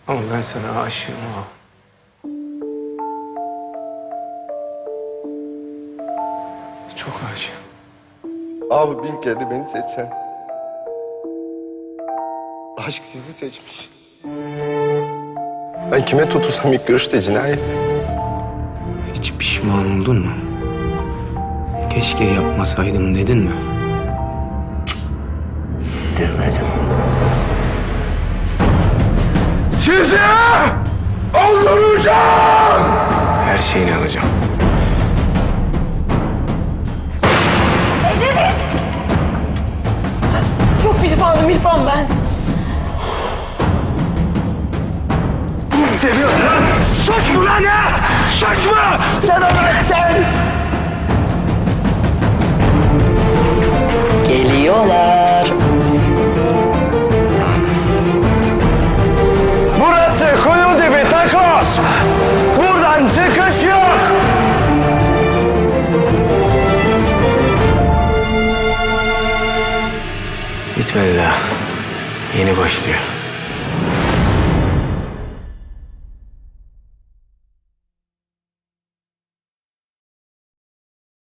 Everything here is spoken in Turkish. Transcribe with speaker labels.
Speaker 1: Ama ben sana aşığım ha. Çok aşığım.
Speaker 2: Abi bin kere de beni seçsen. Aşk sizi seçmiş. Ben kime tutulsam ilk görüşte cinayet.
Speaker 1: Hiç pişman oldun mu? Keşke yapmasaydım dedin mi?
Speaker 2: Demedim. Sizi öldüreceğim!
Speaker 1: Her şeyini alacağım.
Speaker 3: Çok pişmanım İrfan ben.
Speaker 2: Seviyorum lan! Suç mu lan ya? Suç mu? Sen öğrettin!
Speaker 4: Geliyorlar.
Speaker 2: Burası kuyu dibi takoz! Buradan çıkış yok!
Speaker 1: Bitmedi daha. Yeni başlıyor.